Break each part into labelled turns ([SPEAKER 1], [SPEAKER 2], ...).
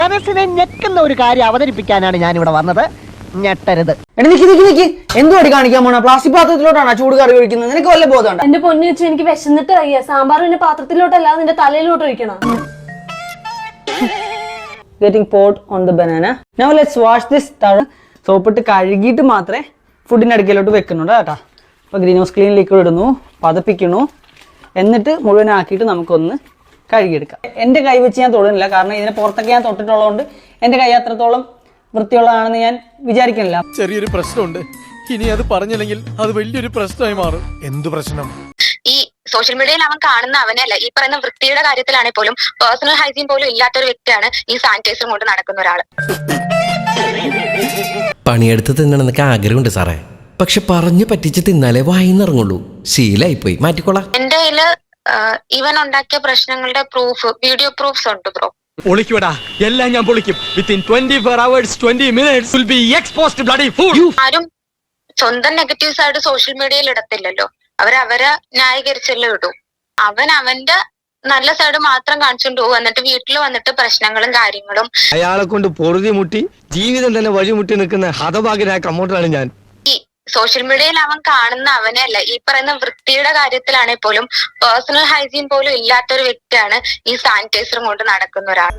[SPEAKER 1] മനസ്സിനെ ഞെക്കുന്ന ഒരു കാര്യം അവതരിപ്പിക്കാനാണ് ഞാൻ ഇവിടെ വന്നത്. ഞെട്ടരുത്.
[SPEAKER 2] എന്തുവാടി കാണിക്കാൻ പോണ? പ്ലാസ്റ്റിക് പാത്രത്തിലോട്ടാണ് ചൂട് കറി ഒഴിക്കുന്നത്. നിനക്ക് വല്ല ബോധമുണ്ടോ?
[SPEAKER 3] എന്റെ പൊന്നു വെച്ച് എനിക്ക് വിശന്നിട്ട് വയ്യ. സാമ്പാർ പിന്നെ പാത്രത്തിലോട്ടല്ല, നിന്റെ തലയിലോട്ട് ഒഴിക്കണം.
[SPEAKER 2] Getting poured on the banana. Now let's wash this towel. സോപ്പിട്ട് കഴുകിയിട്ട് മാത്രമേ ഫുഡിന്റെ അടുക്കലോട്ട് വെക്കുന്നുണ്ട് കേട്ടോ. അപ്പൊ ഗ്രീൻ ഹൗസ് ക്ലീൻ ലിക്വിഡ് ഇടുന്നു, പതപ്പിക്കുന്നു, എന്നിട്ട് മുഴുവനാക്കിയിട്ട് നമുക്കൊന്ന് കഴുകിയെടുക്കാം. എന്റെ കൈ വെച്ച് ഞാൻ തൊടുന്നില്ല, കാരണം ഇതിനെ പുറത്തൊക്കെ ഞാൻ തൊട്ടിട്ടുള്ളതുകൊണ്ട് എന്റെ കൈ അത്രത്തോളം വൃത്തിയുള്ളതാണെന്ന് ഞാൻ വിചാരിക്കുന്നില്ല.
[SPEAKER 4] ചെറിയൊരു പ്രശ്നമുണ്ട്. ഇനി അത് പറഞ്ഞില്ലെങ്കിൽ അത് വലിയൊരു പ്രശ്നമായി മാറും.
[SPEAKER 5] എന്ത് പ്രശ്നം?
[SPEAKER 6] ഈ സോഷ്യൽ മീഡിയയിൽ അവൻ കാണുന്ന അവനല്ല, ഈ പറയുന്ന വൃത്തിയുടെ കാര്യത്തിലാണെങ്കിൽ പോലും പേഴ്സണൽ ഹൈജീൻ പോലും ഇല്ലാത്തൊരു വ്യക്തിയാണ് ഈ സാനിറ്റൈസർ കൊണ്ട് നടക്കുന്ന ഒരാൾ.
[SPEAKER 7] പണിയെടുത്ത് തിന്നണമെന്നൊക്കെ ആഗ്രഹമുണ്ട് സാറേ, പക്ഷെ പറഞ്ഞു പറ്റിച്ച് തിന്നാലേ വായിന്നിറങ്ങുള്ളൂ. ശീലായിപ്പോയി, മാറ്റിക്കോളാം.
[SPEAKER 6] എന്റെ കയ്യില് ഇവൻ ഉണ്ടാക്കിയ പ്രശ്നങ്ങളുടെ വീഡിയോ പ്രൂഫ്സ് ഉണ്ട് ബ്രോ.
[SPEAKER 4] പൊളിക്കൂടാ, എല്ലാം ഞാൻ പൊളിക്കും. Within 24 hours 20 minutes will be exposed bloody fool.
[SPEAKER 6] ആരും സ്വന്തം നെഗറ്റീവ്സ് ആയിട്ട് സോഷ്യൽ മീഡിയയിൽ ഇടത്തില്ലല്ലോ, അവരെ ന്യായീകരിച്ചല്ലേ ഇടൂ. അവൻ അവന്റെ നല്ല സൈഡ് മാത്രം കാണിച്ചുകൊണ്ട് പോകും, എന്നിട്ട് വീട്ടിൽ വന്നിട്ട് പ്രശ്നങ്ങളും കാര്യങ്ങളും.
[SPEAKER 5] അയാളെ കൊണ്ട് പൊറുതി മുട്ടി ജീവിതം തന്നെ വഴിമുട്ടി നിൽക്കുന്ന ഹതഭാഗ്യനായ കമ്മോട്ടറാണ് ഞാൻ.
[SPEAKER 6] ഈ സോഷ്യൽ മീഡിയയിൽ അവൻ കാണുന്ന അവനല്ല, ഈ പറയുന്ന വൃത്തിയുടെ കാര്യത്തിലാണെങ്കിൽ പോലും പേഴ്സണൽ ഹൈജീൻ പോലും ഇല്ലാത്തൊരു വ്യക്തിയാണ് ഈ സാനിറ്റൈസറും കൊണ്ട് നടക്കുന്ന ഒരാൾ.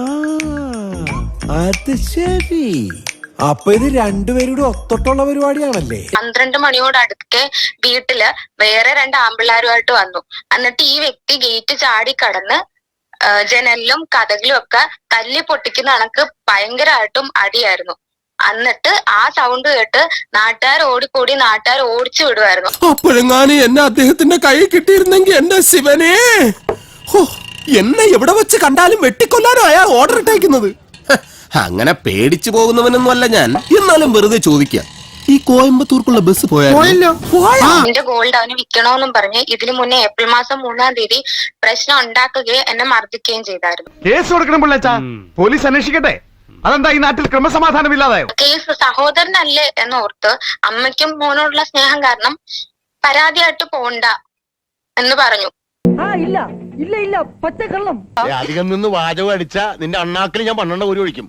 [SPEAKER 8] അത് ശരി. അപ്പൊ ഇത് രണ്ടുപേരുടെ ഒത്തൊട്ടുള്ള പരിപാടിയാണല്ലേ?
[SPEAKER 6] 12 മണിയോടടുക്കെ വീട്ടില് വേറെ 2 ആമ്പിള്ളാരുമായിട്ട് വന്നു. എന്നിട്ട് ഈ വ്യക്തി ഗേറ്റ് ചാടി കടന്ന് ജനലിലും കതകിലും ഒക്കെ തല്ലി പൊട്ടിക്കുന്ന കണക്ക് ഭയങ്കരമായിട്ടും അടിയായിരുന്നു. എന്നിട്ട് ആ സൗണ്ട് കേട്ട് നാട്ടുകാർ ഓടിക്കൂടി നാട്ടുകാർ ഓടിച്ചു വിടുമായിരുന്നു.
[SPEAKER 8] അപ്പോഴെങ്ങാനും എന്നെ അദ്ദേഹത്തിന്റെ കൈ കിട്ടിയിരുന്നെങ്കിൽ എന്റെ ശിവനെ, എന്നെ എവിടെ വെച്ച് കണ്ടാലും വെട്ടിക്കൊല്ലാനോ അയാൾ ഓർഡർ ഇട്ടേക്കുന്നത്. അങ്ങനെ പേടിച്ചു പോകുന്നവനൊന്നും അല്ല ഞാൻ. എന്നാലും വെറുതെ ചോദിക്കാം, ഈ കോയമ്പത്തൂർക്കുള്ള ബസ് പോയാലോ?
[SPEAKER 6] എന്റെ ഗോൾഡ് അവന് വിൽക്കണോന്നും പറഞ്ഞ് ഇതിനു മുന്നേ ഏപ്രിൽ മാസം 3-ാം തീയതി പ്രശ്നം ഉണ്ടാക്കുകയും എന്നെ മർദ്ദിക്കുകയും ചെയ്തായിരുന്നു.
[SPEAKER 5] കേസ് കൊടുക്കണം പിള്ളേച്ചാ, പോലീസ് അന്വേഷിക്കട്ടെ. അതെന്താ ഈ നാട്ടിൽ ക്രമസമാധാനം ഇല്ലാതായോ?
[SPEAKER 6] കേസ് സഹോദരനല്ലേ എന്നോർത്ത് അമ്മയ്ക്കും മോനോടുള്ള സ്നേഹം കാരണം പരാതിയായിട്ട് പോണ്ട എന്ന് പറഞ്ഞു.
[SPEAKER 1] ഇല്ല ഇല്ല ഇല്ല, പച്ചക്കള്ളം.
[SPEAKER 5] അധികം നിന്ന് വാചകം അടിച്ച നിന്റെ അണ്ണാക്കിൽ ഞാൻ 12 കോരി ഒഴിക്കും.